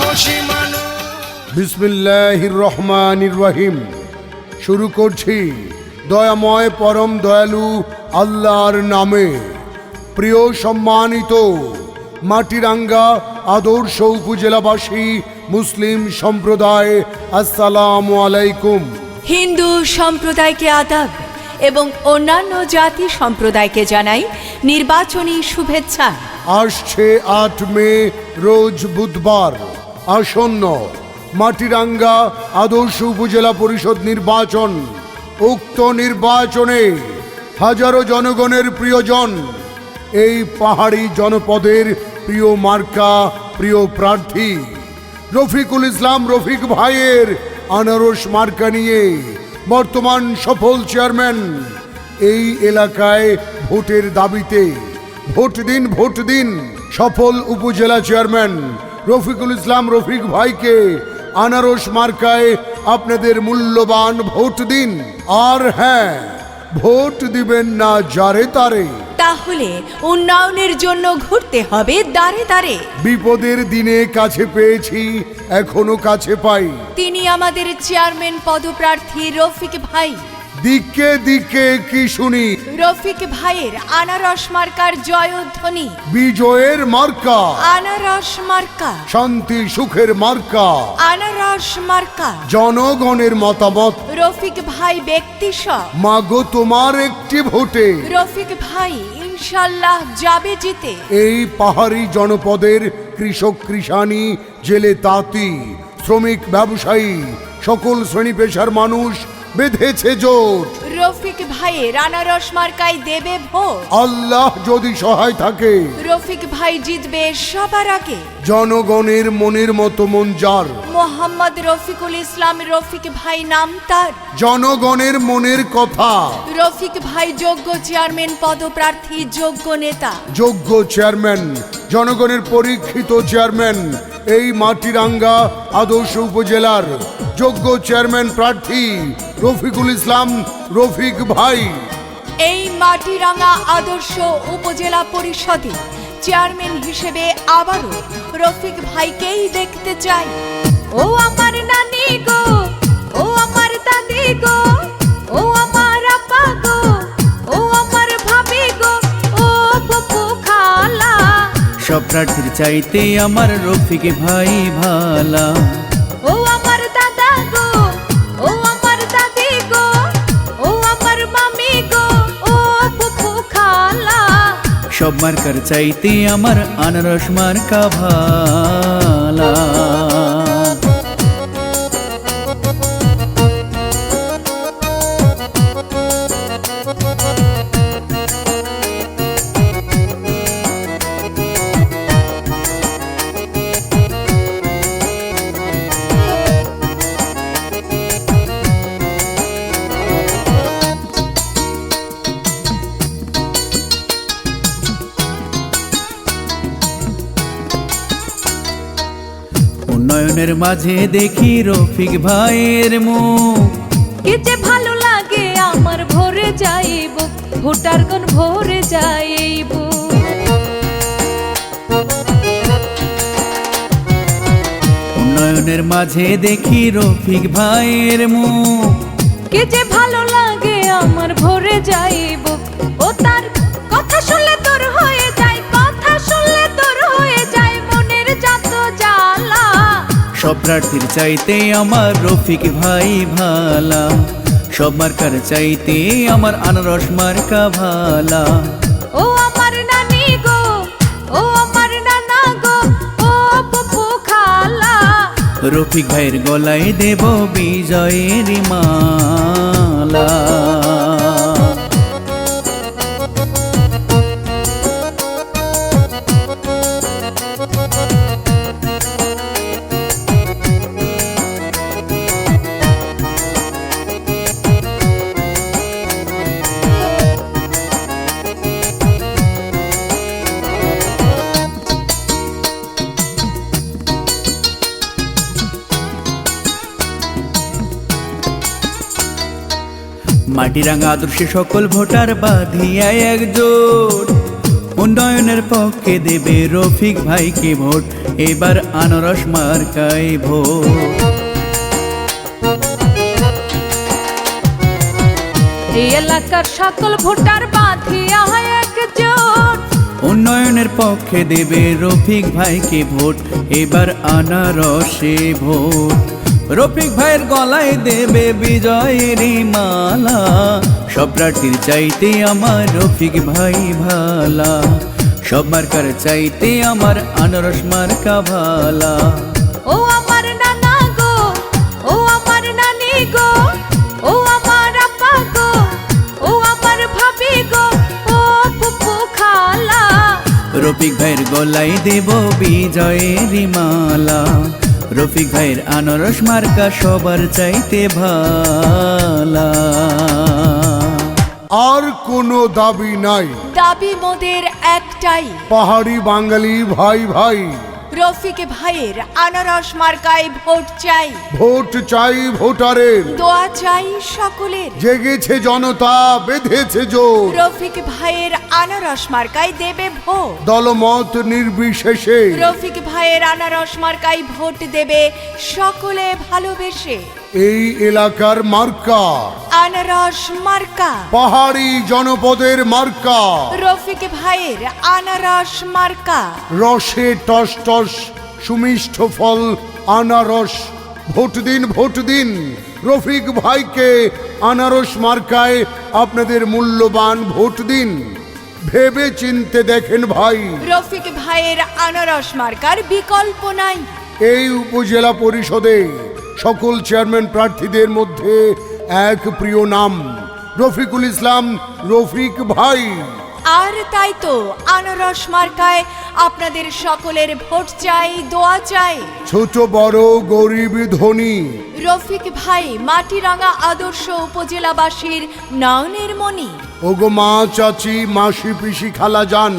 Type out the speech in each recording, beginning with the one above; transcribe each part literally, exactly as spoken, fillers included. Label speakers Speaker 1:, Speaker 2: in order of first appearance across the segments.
Speaker 1: সাহসী মানুষ।
Speaker 2: বিসমিল্লাহির রহমানির রহিম। শুরু করছি দয়াময় পরম দয়ালু আল্লাহর নামে। প্রিয় সম্মানিত মাটিরাঙ্গা আদর্শ উপজেলাবাসী মুসলিম সম্প্রদায়, আসসালামু আলাইকুম।
Speaker 3: হিন্দু সম্প্রদায়কে আদাব এবং অন্যান্য জাতি সম্প্রদায়কে জানাই নির্বাচনী শুভেচ্ছা।
Speaker 2: আসছে আট মে রোজ বুধবার আসন্ন মাটিরাঙ্গা আদর্শ উপজেলা পরিষদ নির্বাচন। উক্ত নির্বাচনে হাজারো জনগণের প্রিয়জন, এই পাহাড়ি জনপদের প্রিয় মার্কা, প্রিয় প্রার্থী রফিকুল ইসলাম রফিক ভাইয়ের আনারস মার্কা নিয়ে বর্তমান সফল চেয়ারম্যান এই এলাকায় ভোটের দাবিতে ভোট দিন ভোট দিন সফল উপজেলা চেয়ারম্যান রফিকুল ইসলাম রফিক ভাইকে আনারস মার্কায় আপনাদের মূল্যবান ভোট দিন। আর হ্যাঁ, ভোট দিবেন না যারে তারে,
Speaker 3: তাহলে উন্নয়নের জন্য ঘুরতে হবে দাঁড়ে দাঁড়ে।
Speaker 2: বিপদের দিনে কাছে পেয়েছি, এখনো কাছে পাই।
Speaker 3: তিনি আমাদের চেয়ারম্যান পদপ্রার্থী রফিক ভাই।
Speaker 2: দিকে দিকে কি শুনি,
Speaker 3: রফিক ভাইয়ের আনারস মার্কার জয়ধ্বনি।
Speaker 2: বিজয়ের মার্কা,
Speaker 3: আনারস মার্কা।
Speaker 2: শান্তি সুখের মার্কা,
Speaker 3: আনারস মার্কা।
Speaker 2: জনগণের মতামত,
Speaker 3: রফিক ভাই ব্যক্তি সব।
Speaker 2: মাগো তোমার একটি ভোটে
Speaker 3: রফিক ভাই ইনশাল্লাহ যাবে জিতে।
Speaker 2: এই পাহাড়ি জনপদের কৃষক কৃষানি, জেলে তাঁতি, শ্রমিক ব্যবসায়ী, সকল শ্রেণী পেশার মানুষ বেঁধেছে জোট।
Speaker 3: রফিক ভাইয়ের আনারস মার্কায় দেবে ভোট।
Speaker 2: আল্লাহ যদি সহায় থাকে,
Speaker 3: রফিক ভাই জিতবে সবার আগে।
Speaker 2: জনগণের মনের মতো মন যার,
Speaker 3: মোহাম্মদ রফিকুল ইসলাম রফিক ভাই নাম তার।
Speaker 2: জনগণের মনের কথা।
Speaker 3: রফিক ভাই যোগ্য চেয়ারম্যান পদপ্রার্থী, যোগ্য নেতা,
Speaker 2: যোগ্য চেয়ারম্যান, জনগণের পরীক্ষিত চেয়ারম্যান এই মাটিরাঙ্গা আদর্শ উপজেলার যোগ্য চেয়ারম্যান প্রার্থী রফিকুল ইসলাম রফিক ভাই।
Speaker 3: এই মাটিরাঙ্গা আদর্শ উপজেলা পরিষদে চেয়ারম্যান হিসেবে আবারও রফিক ভাইকেই দেখতে চাই। ও আমার নানি গো, ও আমার দাদি গো, ও আমার আপা গো, ও আমার ভাবি গো, ও ফুফু খালা।
Speaker 4: সব প্রার্থীর চাইতে আমার রফিক ভাই ভালা।
Speaker 3: ও আমার দাদা গো, ও আমার দাদি গো, ও আমার মামি গো, ও ফুফু খালা।
Speaker 4: সব মার্কার চাইতে আমার আনারস মার্কা ভালা। উন্নয়নের মাঝে দেখি রফিক ভাইয়ের মুখ,
Speaker 3: কি যে ভালো লাগে আমার ভরে যাইব, ভোটার কোন ভরে যাইব।
Speaker 4: উন্নয়নের মাঝে দেখি রফিক ভাইয়ের মুখ,
Speaker 3: কি যে ভালো লাগে আমার ভরে যাইব। ও তার কথা শুনলে তোর হয়ে যায়, কথা শুনলে তোর হয়ে যায় মনের যত জ্বালা।
Speaker 4: সব প্রার্থীর চাইতে আমার রফিক ভাই ভালা। সব মার্কার চাইতে আমার আনারস মার্কা ভালা।
Speaker 3: ও আমার নানি গো, ও আমার নানা গো, ও ফুফু খালা।
Speaker 4: রফিক ভাইয়ের গলায় দেব বিজয়ের মালা। মাটিরাঙ্গা আদর্শে সকল ভোটার বাঁধিয়া একজোট, উন্নয়নের পক্ষে দেবে রফিক ভাইকে ভোট, এবার আনারস মার্কায় ভোট।
Speaker 3: এই এলাকার সকল ভোটার বাঁধিয়া একজোট,
Speaker 4: উন্নয়নের পক্ষে দেবে রফিক ভাইকে ভোট, এবার আনারসে ভোট। রফিক ভাইয়ের গলায় দেবে বিজয়েরই মালা, সব প্রার্থীর চাইতে আমার রফিক ভাই ভালা, সব মার্কার চাইতে আমার আনারস মার্কা ভালা।
Speaker 3: ও আমার নানা গো, ও আমার নানি গো, ও আমার আপা গো, ও আমার ভাবি গো, ও ফুফু খালা,
Speaker 4: রফিক ভাইয়ের গলায় দেব বিজয়েরই মালা, রফিক ভাইয়ের আনারস মার্কা সবার চাইতে ভালা।
Speaker 2: আর কোনো দাবি নাই,
Speaker 3: দাবি মোদের একটাই,
Speaker 2: পাহাড়ি বাঙালি ভাই ভাই,
Speaker 3: রফিক ভাইয়ের আনারস মার্কায় ভোট চাই,
Speaker 2: ভোট চাই ভোটারের,
Speaker 3: দোয়া চাই সকলের,
Speaker 2: জেগেছে জনতা বেঁধেছে জোর,
Speaker 3: রফিক ভাইয়ের আনারস মার্কায় দেবে ভোট,
Speaker 2: দলমত নির্বিশেষে,
Speaker 3: রফিক ভাইয়ের আনারস মার্কায় ভোট দেবে সকলে ভালোবেসে,
Speaker 2: এই এলাকার মার্কা
Speaker 3: আনারস মার্কা,
Speaker 2: পাহাড়ি জনপদের মার্কা,
Speaker 3: রফিক ভাইয়ের আনারস মার্কা,
Speaker 2: রসে টস টস সুমিষ্ঠ ফল আনারস, ভোট দিন ভোট দিন রফিক ভাইকে, আনারস মার্কায় আপনাদের মূল্যবান ভোট দিন, ভেবে চিনতে দেখেন ভাই,
Speaker 3: রফিক ভাইয়ের আনারস মার্কার বিকল্প নাই।
Speaker 2: এই উপজেলা পরিষদে সকল চেয়ারম্যান প্রার্থীদের মধ্যে এক প্রিয় নাম রফিকুল ইসলাম রফিক ভাই।
Speaker 3: আর তাই তো আনারস মার্কায় আপনাদের সকলের ভোট চাই, দোয়া চাই,
Speaker 2: ছোট বড় গরিব ধনী,
Speaker 3: রফিক ভাই মাটিরাঙ্গা আদর্শ উপজেলাবাসীর নয়নের মণি।
Speaker 2: ওগো মা চাচি মাসি পিসি খালা যান,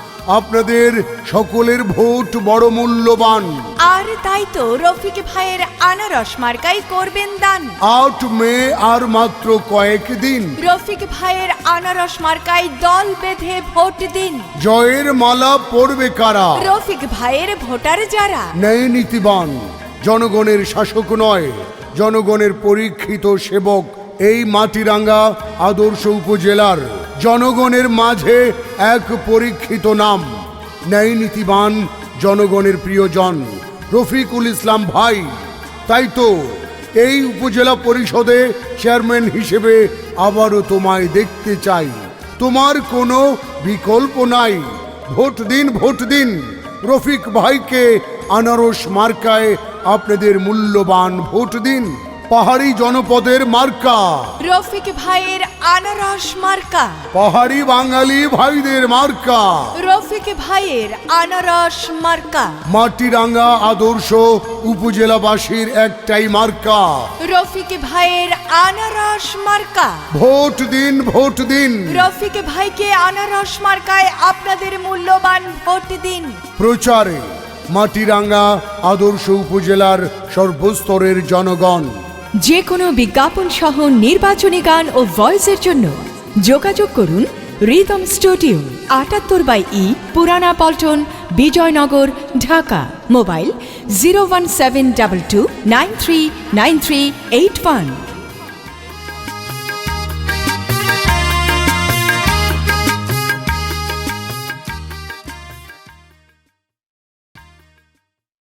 Speaker 2: আপনাদের সকলের ভোট বড় মূল্যবান।
Speaker 3: আর তাই তো রফিক ভাইয়ের আনারস মার্কাই করবেন দান।
Speaker 2: আট মে আর মাত্র কয়েক দিন,
Speaker 3: রফিক ভাইয়ের আনারস মার্কাই দল বেঁধে ভোট দিন।
Speaker 2: জয়ের মালা পড়বে কারা?
Speaker 3: রফিক ভাইয়ের ভোটার যারা
Speaker 2: ন্যায় নীতিবান, জনগণের শাসক নয়, জনগণের পরীক্ষিত সেবক। এই মাটিরাঙ্গা আদর্শ উপজেলার জনগণের মাঝে এক পরীক্ষিত নাম, ন্যায় নীতিবান, জনগণের প্রিয়জন রফিকুল ইসলাম ভাই। তাই তো এই উপজেলা পরিষদে চেয়ারম্যান হিসেবে আবারও তোমায় দেখতে চাই, তোমার কোনো বিকল্প নাই। ভোট দিন ভোট দিন রফিক ভাইকে, আনারস মার্কায় আপনাদের মূল্যবান ভোট দিন। পাহাড়ি জনপদের মার্কা
Speaker 3: রফিক ভাইয়ের আনারস মার্কা,
Speaker 2: পাহাড়ি বাঙালি ভাইদের মার্কা
Speaker 3: রফিক ভাইয়ের আনারস মার্কা,
Speaker 2: মাটিরাঙ্গা আদর্শ উপজেলাবাসীর একটাই মার্কা
Speaker 3: রফিক ভাইয়ের আনারস মার্কা।
Speaker 2: ভোট দিন ভোট দিন
Speaker 3: রফিক ভাইকে আনারস মার্কায় আপনাদের মূল্যবান ভোট দিন।
Speaker 2: প্রচারে মাটিরাঙ্গা আদর্শ উপজেলার সর্বস্তরের জনগণ।
Speaker 3: যে কোনো বিজ্ঞাপন সহ নির্বাচনী গান ও ভয়েসের জন্য যোগাযোগ করুন রিদম স্টুডিও, আটাত্তর by E, Purana Paltan, Bijoynagar, Dhaka. Mobile zero one seven double two nine three nine three eight one.